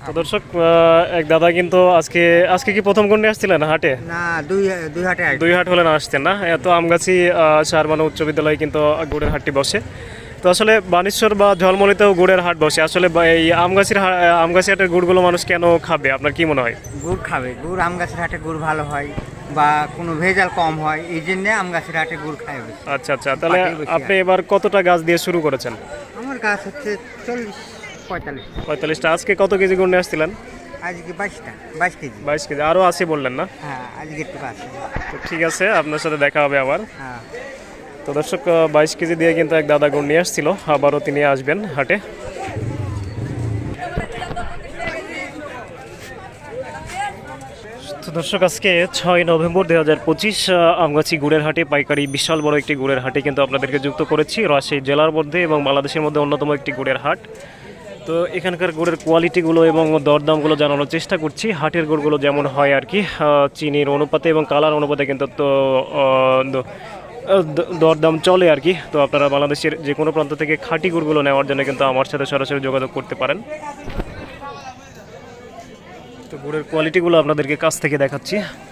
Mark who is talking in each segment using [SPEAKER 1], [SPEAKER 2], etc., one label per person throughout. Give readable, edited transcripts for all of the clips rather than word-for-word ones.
[SPEAKER 1] তো দর্শক এক দাদা কিন্তু আজকে আজকে কি প্রথম কোন নিয়ে আসছিলেন হাটে?
[SPEAKER 2] না, দুই হাটে
[SPEAKER 1] দুই হাট হলে না আসছেন না? এত আমগাছি শাহবানো উচ্চ বিদ্যালয়ে কিন্তু গুড়ের হাটটি বসে। তো আসলে বানেশ্বর বা ঝলমলিতেও গুড়ের হাট বসে। আসলে এই আমগাছি হাটের গুড়গুলো মানুষ কেন খাবে আপনার কি মনে হয়?
[SPEAKER 2] গুড় খাবে, গুড় আম গাছের হাটে গুড় ভালো হয় বা কোনো ভেজাল কম হয়, এই জন্যে আম গাছের হাটে গুড় খায় বেশি।
[SPEAKER 1] আচ্ছা আচ্ছা, তাহলে আপনি এবার কতটা গাছ দিয়ে শুরু করেছেন?
[SPEAKER 2] আমার গাছ হচ্ছে 40-45।
[SPEAKER 1] 45টা। আজকে কত কেজি গুড় নিয়ে আসছিলেন?
[SPEAKER 2] আজকে 22 কেজি।
[SPEAKER 1] 22 কেজি, আরও আছে বললেন না?
[SPEAKER 2] হ্যাঁ, আজকে একটু আছে।
[SPEAKER 1] তো ঠিক আছে, আপনার সাথে দেখা হবে আবার।
[SPEAKER 2] হ্যাঁ,
[SPEAKER 1] তো দর্শক 22 কেজি দিয়ে কিন্তু এক দাদা গুড় নিয়ে আসছিল, আবারও তিনি আসবেন হাটে। তো দর্শক আজকে 6 নভেম্বর 2025 আমগাছি গুড়ের হাটে পাইকারি বিশাল বড় একটি গুড়ের হাটে কিন্তু আপনাদেরকে যুক্ত করেছি রাজশাহী জেলার মধ্যে এবং বাংলাদেশের মধ্যে অন্যতম একটি গুড়ের হাট। তো এখানকার গুড়ের কোয়ালিটিগুলো এবং দরদামগুলো জানানোর চেষ্টা করছি। হাটের গুড়গুলো যেমন হয় আর কি, চিনির অনুপাতে এবং কালার অনুপাতে কিন্তু দরদাম চলে আর কি। তো আপনারা বাংলাদেশের যে কোনো প্রান্ত থেকে খাঁটি গুড়গুলো নেওয়ার জন্য কিন্তু আমার সাথে সরাসরি যোগাযোগ করতে পারেন। তো গুড়ের কোয়ালিটিগুলো আপনাদেরকে কাছ থেকে দেখাচ্ছি।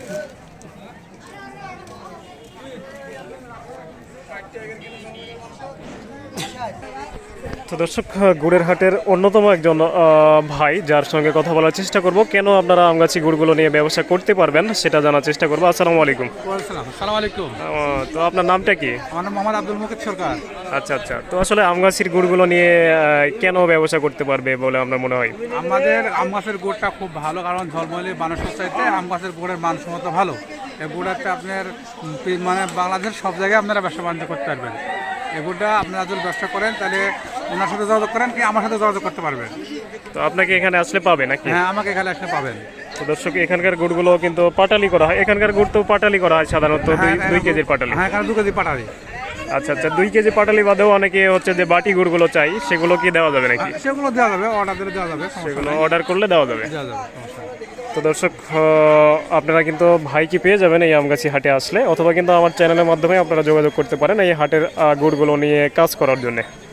[SPEAKER 1] তো দর্শক গুড়ের হাটের অন্যতম একজন ভাই যার সঙ্গে কথা বলার চেষ্টা করব, কেন আপনারা আমগাছি গুড়গুলো নিয়ে ব্যবসা করতে পারবেন সেটা জানার চেষ্টা করবো। আসসালামু আলাইকুম।
[SPEAKER 3] আসসালামু আলাইকুম।
[SPEAKER 1] তো আপনার নামটা কি?
[SPEAKER 3] আমার নাম মোহাম্মদ আব্দুল মুকিত সরকার।
[SPEAKER 1] আচ্ছা আচ্ছা, তো আসলে আমগাছির গুড়গুলো নিয়ে কেন ব্যবসা করতে পারবে বলে আপনার মনে হয়?
[SPEAKER 3] আমাদের আম গাছের গুড়টা খুব ভালো, কারণ ঝলমলি বানেশ্বর চাইতে আম গাছের গুড়ের মানসম্মত ভালো। এই গুড়াতে আপনার মানে বাংলাদেশের সব জায়গায় আপনারা ব্যবসা বাণিজ্য করতে পারবেন। এই গুড়টা আপনারা যদি ব্যবসা করেন তাহলে ওনার সাথে যোগাযোগ করেন কি আমার সাথে যোগাযোগ করতে পারবেন।
[SPEAKER 1] তো আপনাকে এখানে আসলে পাবে নাকি?
[SPEAKER 3] হ্যাঁ, আমাকে এখানে আসলে পাবেন।
[SPEAKER 1] তো দর্শক এখানকার গুড়গুলো কিন্তু পাটালি করা হয়, এখানকার গুড় তো পাটালি করা হয় সাধারণত 2 কেজির পাটালি।
[SPEAKER 3] হ্যাঁ, এখানে 2 কেজি পাঠাবি।
[SPEAKER 1] আচ্ছা আচ্ছা, 2 কেজি পাটালি বাদেও অনেকে হচ্ছে যে বাটি গুড়গুলো চাই, সেগুলো কি দেওয়া যাবে নাকি?
[SPEAKER 3] সেগুলো দেওয়া যাবে, অর্ডার দিলে দেওয়া যাবে,
[SPEAKER 1] সেগুলো অর্ডার করলে দেওয়া যাবে।
[SPEAKER 3] দেওয়া যাবে, সমস্যা নেই।
[SPEAKER 1] তো দর্শক আপনারা কিন্তু ভাইকে পেয়ে যাবেন এই আমগাছি হাটে আসলে, অথবা কিন্তু আমার চ্যানেলের মাধ্যমে আপনারা যোগাযোগ করতে পারেন এই হাটের গুড়গুলো নিয়ে কাজ করার জন্য।